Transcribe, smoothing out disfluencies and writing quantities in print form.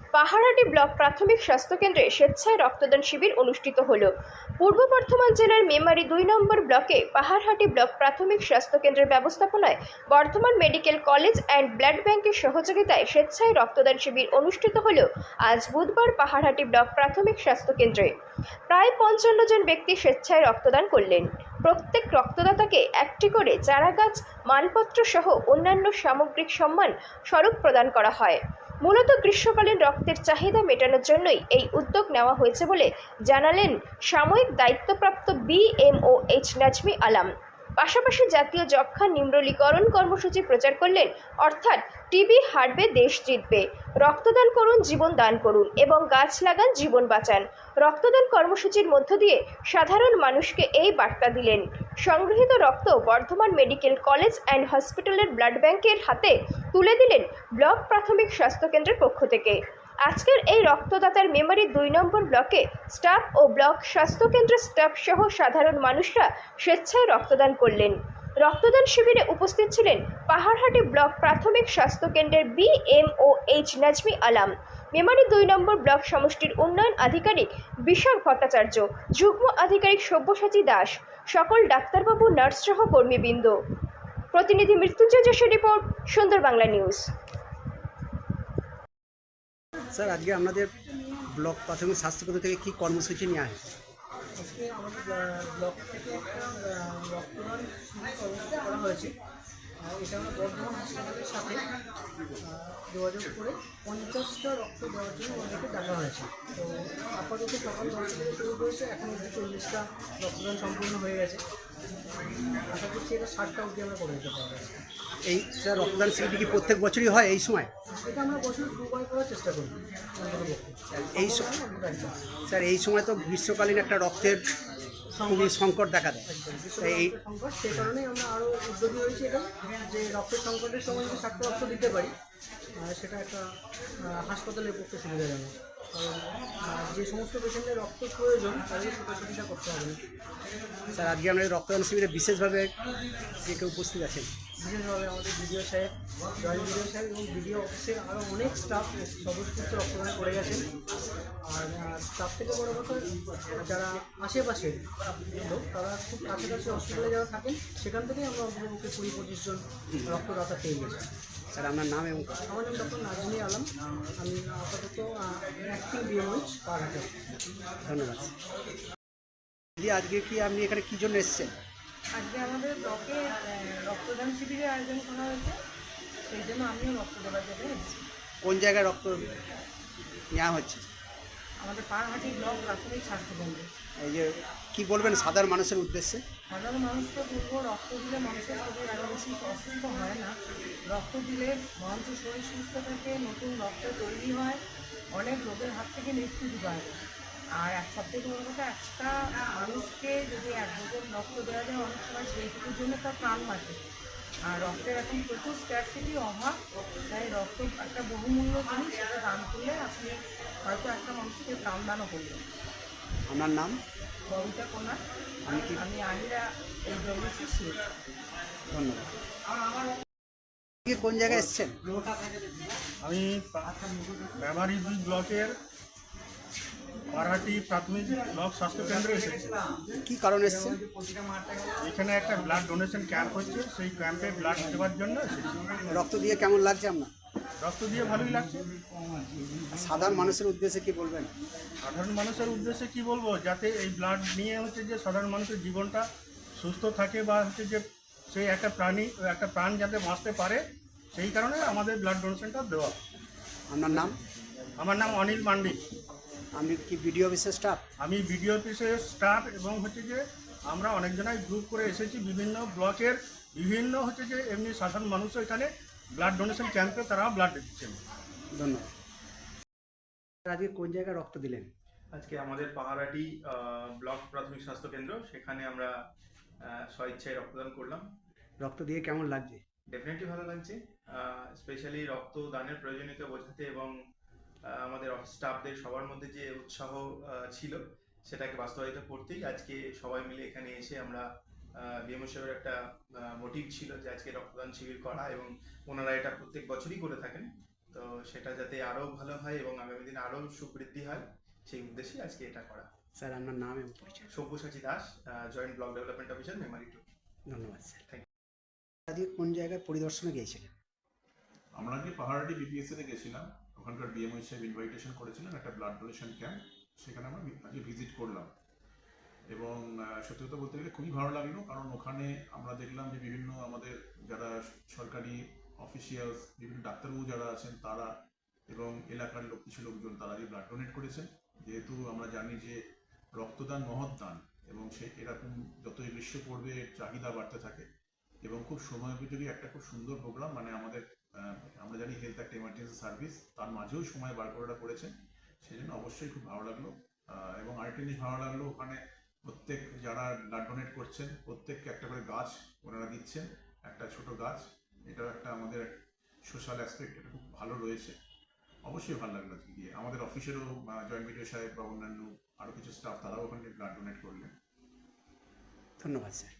পাহাড়হাটি block প্রাথমিক স্বাস্থ্য কেন্দ্রে স্বেচ্ছায় রক্তদান শিবির অনুষ্ঠিত হলো। পূর্ব বর্ধমান জেলার মেমারি ২ নম্বর ব্লকে পাহাড়হাটি ব্লক প্রাথমিক স্বাস্থ্য কেন্দ্রের ব্যবস্থাপনায় Bardhaman medical college and blood ব্যাংকের সহযোগিতায় স্বেচ্ছায় রক্তদান শিবির অনুষ্ঠিত হলো আজ বুধবার পাহাড়হাটি ব্লক প্রাথমিক স্বাস্থ্য কেন্দ্রে। প্রায় ৫৫ জন ব্যক্তি স্বেচ্ছায় রক্তদান করলেন। প্রত্যেক রক্তদাতাকে একটি করে চারাগাছ, মানপত্র সহ অন্যান্য সামগ্রিক সম্মান স্বরূপ প্রদান করা হয়। মূলত গ্রীষ্মকালীন রক্তের চাহিদা মেটানোর জন্যই এই উদ্যোগ নেওয়া হয়েছে বলে জানালেন সাময়িক দায়িত্বপ্রাপ্ত BMOH নাজমি আলম। পাশাপাশি জাতীয় যক্ষ্মা নির্মূলীকরণ কর্মসূচি প্রচার করলেন, অর্থাৎ টিবি হারবে দেশ জিতবে, রক্তদান করুন জীবন দান করুন এবং গাছ লাগান জীবন বাঁচান। রক্তদান কর্মসূচির মধ্য দিয়ে সাধারণ মানুষকে এই বার্তা দিলেন। সংগৃহীত রক্ত বর্ধমান মেডিকেল কলেজ অ্যান্ড হসপিটালের ব্লাড ব্যাংকের হাতে তুলে দিলেন ব্লক প্রাথমিক স্বাস্থ্য কেন্দ্রের পক্ষ থেকে। আজকের এই রক্তদাতার মেমারি ২ নম্বর ব্লকে স্টাফ ও ব্লক স্বাস্থ্য কেন্দ্রের স্টাফ সহ সাধারণ মানুষরা স্বেচ্ছায় রক্তদান করলেন। রক্তদান শিবিরে উপস্থিত ছিলেন পাহাড়হাটি ব্লক প্রাথমিক স্বাস্থ্য কেন্দ্রের BMOH নাজমি আলম, মেমারি ২ নম্বর ব্লক সমষ্টির উন্নয়ন আধিকারিক বিশাখ ভট্টাচার্য, যুগ্ম আধিকারিক সব্যসাচী দাস, সকল ডাক্তারবাবু, নার্স সহ কর্মীবৃন্দ। প্রতিনিধি মৃত্যুঞ্জয় যোশীর রিপোর্ট, সুন্দর বাংলা নিউজ। স্যার, আজকে আপনাদের ব্লক প্রাথমিক স্বাস্থ্যকেন্দ্র থেকে কি কর্মসূচি নেওয়া হয়? আজকে আমাদের ব্লক থেকে একটা রক্তদান শিবির কর্মসূচি করা হয়েছে। এটা আমরা বর্ধমান হাসপাতালের সাথে যোগাযোগ করে 50টা রক্ত দেওয়ার জন্য আমাদেরকে ডাকা হয়েছে। তো আপাতত সকাল 10টা থেকে শুরু করেছে, এখন অবধি 40টা রক্তদান সম্পূর্ণ হয়ে গেছে। আশা করছি এটা 60টা অবধি আমরা করে দিতে পারবো। এই স্যার, রক্তদান শিবিরটি কি প্রত্যেক বছরই হয় এই সময়? এটা আমরা বছর 2বার করার চেষ্টা করি। এই স্যার, এই সময় তো গ্রীষ্মকালীন একটা রক্তের খুবই সংকট দেখা দেয়। এই সংকট, সেই কারণেই আমরা আরও উদ্যোগী হয়েছি এটা, যে রক্তের সংকটের সময় যদি 60টা রক্ত দিতে পারি সেটা একটা হাসপাতালের পক্ষে সুবিধাজনক। কারণ যে সমস্ত পেশেন্টের রক্ত প্রয়োজন তাদের সেটা করতে হবে না। স্যার, আজকে আমাদের রক্তদান শিবিরে বিশেষভাবে যে কেউ উপস্থিত আছেন? বিশেষভাবে আমাদের বিডিও সাহেব, জয়েন্ট বিডিও সাহেব এবং বিডিও অফিসের আরও অনেক স্টাফ সদস্য রক্তদান করে গেছেন। আর তার থেকে বড় কথা, যারা আশেপাশের লোক, তারা খুব কাছাকাছি হসপিটালে যারা থাকেন, সেখান থেকেই আমরা অন্তত 20-25 জন রক্তদাতা পেয়ে গেছি। স্যার, আপনার নাম এবং? আমার নাম ডক্টর নাজমি আলম, আমি আপাতত অ্যাক্টিং BMOH পাহাড়হাটি। ধন্যবাদ। দিদি, আজকে কি আপনি এখানে কী জন্য এসেছেন? আজকে আমাদের ব্লকে রক্তদান শিবিরের আয়োজন করা হয়েছে, সেই জন্য আমিও রক্ত দেওয়ার জন্য এসেছি। কোন জায়গায় রক্ত নেওয়া হচ্ছে? আমাদের পাহাড়হাটি ব্লক প্রাথমিক স্বাস্থ্যকেন্দ্রে। এই যে কী বলবেন সাধারণ মানুষের উদ্দেশ্যে? সাধারণ মানুষকে বলবো, রক্ত দিলে মানুষের শরীর আরও বেশি অসুস্থ হয় না। রক্ত দিলে মানুষের শরীর সুস্থ থাকে, নতুন রক্ত তৈরি হয়, অনেক রোগের হাত থেকে নিষ্কৃতি পায়। আর সবথেকে বড় কথা, একটা মানুষকে যদি 1 বোতল রক্ত দেওয়া যায়, অনেক সময় সেইটুকুর জন্য তার প্রাণ বাঁচে। আর রক্তের এখন প্রচুর স্ক্যারসিটি, অভাব, তাই রক্ত একটা বহুমূল্য জিনিস, সেটা দান করলে আপনি হয়তো একটা মানুষকে প্রাণদানও করবেন। আপনার নাম? ববিতা কোনা, আমি আহিরা AWC। ধন্যবাদ। কোন জায়গায় এসেছেন? আমি মেমারি 2 ব্লকের পাহাড়হাটি প্রাথমিক ব্লক স্বাস্থ্যকেন্দ্রে এসেছি। কী কারণে এসেছেন? এখানে একটা ব্লাড ডোনেশন ক্যাম্প হচ্ছে, সেই ক্যাম্পে ব্লাড দেওয়ার জন্য এসেছি। রক্ত দিয়ে কেমন লাগছে আপনার? রক্ত দিয়ে ভালোই লাগছে। সাধারণ মানুষের উদ্দেশ্যে কি বলবেন? সাধারণ মানুষের উদ্দেশ্যে কি বলবো, যাতে এই ব্লাড নিয়ে হচ্ছে যে সাধারণ মানুষের জীবনটা সুস্থ থাকে, বা হচ্ছে যে সেই একটা প্রাণ যাতে বাঁচতে পারে, সেই কারণে আমাদের ব্লাড ডোনেশনটা দেওয়া। আপনার নাম? আমার নাম অনিল মান্ডি। আমি কি বিডিও অফিসের স্টাফ? আমি বিডিও অফিসের স্টাফ, এবং হচ্ছে যে আমরা অনেকজনাই গ্রুপ করে এসেছি বিভিন্ন ব্লকের, বিভিন্ন হচ্ছে যে এমনি সাধারণ মানুষও এখানে ব্লাড ডোনেশন ক্যাম্পে তারা ব্লাড দিচ্ছেন। ধন্যবাদ। আজকে কোন জায়গায় রক্ত দিলেন? আজকে আমাদের পাহাড়হাটি ব্লক প্রাথমিক স্বাস্থ্য কেন্দ্র, সেখানে আমরা স্বেচ্ছায় রক্তদান করলাম। রক্ত দিয়ে কেমন লাগছে? ডেফিনেটলি ভালো লাগছে। স্পেশালি রক্ত দানের প্রয়োজনীয়তা বোঝাতে এবং আমাদের অফিস স্টাফদের সবার মধ্যে যে উৎসাহ ছিল, সেটাকে বাস্তবায়িত করতেই আজকে সবাই মিলে এখানে এসে আমরা BMO সাহেবের একটা মোটিভ ছিল যে আজকে রক্তদান শিবির করা, এবং ওনারা এটা প্রত্যেক বছরই করে থাকেন। তো সেটা যাতে আরও ভালো হয় এবং আগামী দিনে আরও সুবৃদ্ধি হয় সেই উদ্দেশ্যে আজকে এটা করা। স্যার আপনার নাম এবং পরিচয়। Sabyasachi Das, joint block development officer, Memari 2। ধন্যবাদ স্যার। Thank আজকে কোন জায়গায় পরিদর্শনে গিয়েছিলেন? আমরা আজকে পাহাড়াটি বিপিএসসিতে গেছিলাম, ওখানকার বিএমওই সাহেব ইনভাইটেশন করেছিলেন একটা ব্লাড ডোনেশন ক্যাম্প, সেখানে আমরা আজকে ভিজিট করলাম এবং সত্যি কথা বলতে গেলে খুবই ভালো লাগলো, কারণ ওখানে আমরা দেখলাম যে বিভিন্ন আমাদের যারা সরকারি অফিসিয়ালস, বিভিন্ন ডাক্তারবাবু যারা আছেন তারা এবং এলাকার কিছু লোকজন তারা যে ব্লাড ডোনেট করেছেন। যেহেতু আমরা জানি যে রক্তদান মহৎ দান এবং সে এরকম যতই গ্রীষ্ম পড়বে এর চাহিদা বাড়তে থাকে এবং খুব সময়োপযোগী একটা খুব সুন্দর প্রোগ্রাম, মানে আমাদের আমরা জানি হেলথ একটা ইমার্জেন্সি সার্ভিস, তার মাঝেও সময় বার করে করেছেন, সেই জন্য অবশ্যই খুব ভালো লাগলো। এবং আরেকটা জিনিস ভালো লাগলো, ওখানে প্রত্যেক যারা ব্লাড ডোনেট করছেন প্রত্যেককে একটা করে গাছ ওনারা দিচ্ছেন, একটা ছোট গাছ। এটাও একটা আমাদের সোশ্যাল অ্যাসপেক্ট, এটা খুব ভালো রয়েছে। অবশ্যই ভালো লাগলো আজকে গিয়ে। আমাদের অফিসেরও জয়েন্ট ভিডিও সাহেব বা অন্যান্য আরও কিছু স্টাফ তারাও ওখানে ব্লাড ডোনেট করলেন। ধন্যবাদ স্যার।